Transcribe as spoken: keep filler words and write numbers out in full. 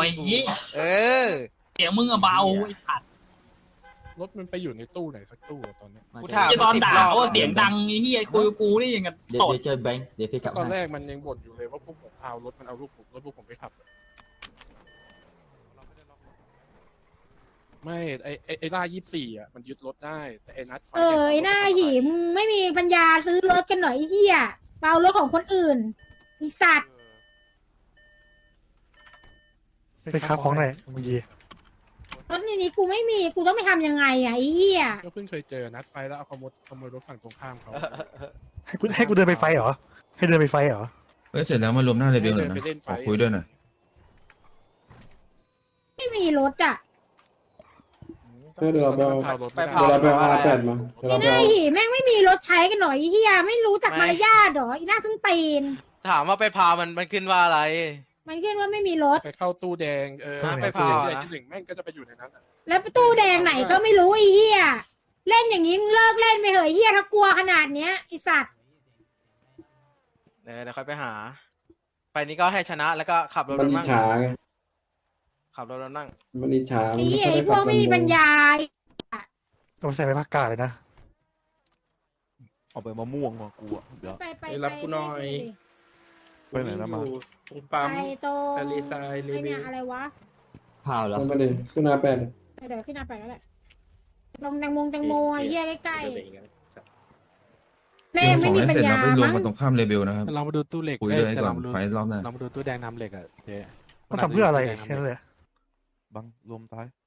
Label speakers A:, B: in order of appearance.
A: เออ
B: เสียงมึงอะเบาไอ้สัตว์
C: รถมันไปอยู่ในตู้ไหนสักตู้อะตอนเนี้ย
A: กูถาม
B: ไอ้ตอนด่าว่าเสียงดังไอ้เหี้ยคุยกับกูนี่ยังกับ
D: เดี๋ยว
B: ตด
D: เดี๋ยวเจอแบงค์เดี๋ยวพี่กลับ
C: ตอนแร
D: ให้
C: กมันยังบ่นอยู่เลยว่าพวกผมเอารถมันเอาลูกผมรถพวกผมไปขับ ไม่ไอไอไอล่ายี่สี่อ่ะมันยึดรถได้แต่ไอนัดไฟ
E: เออไอ้หน้าหิมงไม่มีปัญญาซื้อรถกันหน่อยไอ้เหี้ยเปารถของคนอื่นไอีสัตว์
F: ไปค้าของไหนเมื่อกี้
E: รถในนี้กูไม่มีกูต้องไปทำยังไงอ่ะไอ้เหี้ย
C: ก็เพิ่งเคยเจอนัดไฟแล้วเอาขโมยขโมยรถฝั่งตรงข้ามเขา
F: ให้กูให้กูเดินไปไฟเหรอให้เดินไปไฟเหรอ
G: เฮ้ยเสร็จแล้วมารวมหน้าเรเบลหน่อยนะ
C: ให้เดินไปเล่นไฟ
G: ขอคุยด้วยหน่อย
E: ไม่มีรถอ่ะ
H: เดี๋ยวเราไปเอา
C: เผารถ
A: ไป
C: ไม่ได้
A: เผา
H: เดี๋ยวเราไปเอาอาร์แปดมาเดี๋ยว
E: ไอ้
H: เรา
E: ห
H: ไป
E: น้า
H: เอา
E: หิแม่งไม่มีรถใช้กันหน่อยไอ้เหี้ยไม่รู้จักมารยาทหรอไอ้หน้าส้นตีน
A: ถามว่าไปพามันมันขึ้นว่าอะไร
E: มันขึ้นว่าไม่มีรถ
C: ไปเข้าตู้แดงเออ
A: ไปเผา
C: ตู้แดงที่หนึ่งแม่งก็จะไปอยู่ในนั้นอะ
E: แล้วประตูแดงไหนก็ไม่รู้ไอ้เหี้ยเล่นอย่างนี้มึงเลิกเล่นไปเหอะไอ้เหี้ยถ้ากลัวขนาดเนี้ยไอ้สัตว์
A: เดี๋ยวเดี๋ยวค่อยไปหา ไปนี้ก็ให้ชนะแล้วก็ขับรถ
H: มัน
A: รถ
H: อิจ
A: นั่ง
H: ฉาไง
A: ขับรถรถนั่ง
H: มันอิจฉา
E: ไอ้
H: มัน
E: เหี้ย
H: ไม่
E: ไอ้
H: ค่อย
E: พวกไม่มีปัญญา
F: ต้องใส่ไปภาคกาเลยนะ
I: เอาไปมะม่วงมากูอ่ะเดี๋ยว
E: ไปไป
J: ไปรับกูหน่อย
I: ไปไหนแล้วมา
J: ตรงปั๊ม
E: ไปตรง
J: ทะเลทรายเล
E: ไอ้
J: เว
E: เนี่ย
J: ล
E: อะไรวะ
D: เผาแล้ว
H: มันไม่ได้ขึ้นอาร์แปด
E: เดี๋ยวขึ้นมาไปแล้วแหละตรงแตงโมแตงโมไอ้เหี้ยใกล้ๆแม่ง
G: ข
E: ไม่
G: อง
E: มี
G: ให้
E: ปัญ
G: เสร็จ
E: ญา
G: แล้วไปรวม
E: มั้ง
G: กันตรงข้ามเรเบลนะครับ
I: ลองมาดูตู้เหล็ก
G: คุย
I: เอ้
G: ด้วย
I: แต่
G: ก่
I: ล
G: อ
I: อน งมาดู
G: ไฟรอบหน้า
I: ลองมาดูตู้แดงน้ำเหล็กอ่ะเจ๊
F: มันทำเพื่ออะไรแค่นั้นเลย
I: บังรวมซ้าย